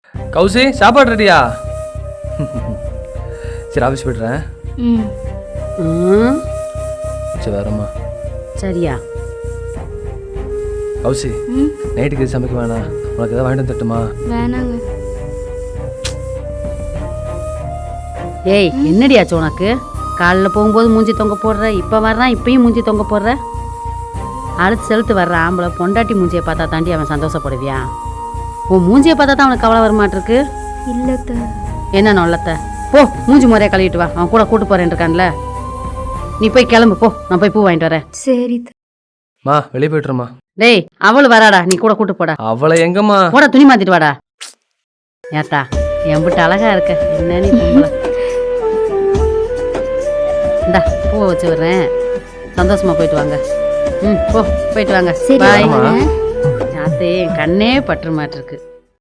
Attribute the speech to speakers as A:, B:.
A: கௌசி சாப்பாடு ரெடியா? சரி ஆஃபீஸ் போய்ட்டுறேன். சரி வரம்மா.
B: சரியா
A: கௌசி நைட்டுக்கு எது சமைக்க வேணாம், உனக்கு எதாவது வாங்கிட்டு தட்டுமா?
C: வேணாங்க.
B: ஏய் என்னடியாச்சு உனக்கு? காலைல போகும்போது மூஞ்சி தொங்க போடுற, இப்போ வர்றான் இப்பயும் மூஞ்சி தொங்க போடுற. அடுத்து செலுத்து வர்ற ஆம்பளை பொண்டாட்டி மூஞ்சியை பார்த்தா தாண்டி அவன் சந்தோஷப்படுவியா? உன் மூஞ்சியை பார்த்தா தான் அவனுக்கு கவலை வரமாட்டிருக்கு.
C: இல்லத்த.
B: என்ன நொல்லத்த? போ மூஞ்சி முறையை கழுவிட்டு வா, அவன் கூட கூட்டு போறேன் இருக்கான்ல. நீ போய் கிளம்பு போ, நான் போய் பூ வாங்கிட்டு வரேன்.
C: சரி
A: மா வெளியே போய்ட்டுறமா.
B: டேய் அவளு வராடா, நீ கூட கூட்டு போடா.
A: அவளை எங்கம்மா?
B: போட துணி மாத்திட்டு வாடா. ஏத்தா எம்பிட்டு அழகா இருக்க, என்ன நீ பொம்பளை. இந்தா பூவை வச்சு விடுறேன், சந்தோஷமா போயிட்டு வாங்க. போ போயிட்டு வாங்க.
C: சரி
B: பாய்.
C: வரேன்.
B: யாத்தே என் கண்ணே பற்று மாட்டிருக்கு.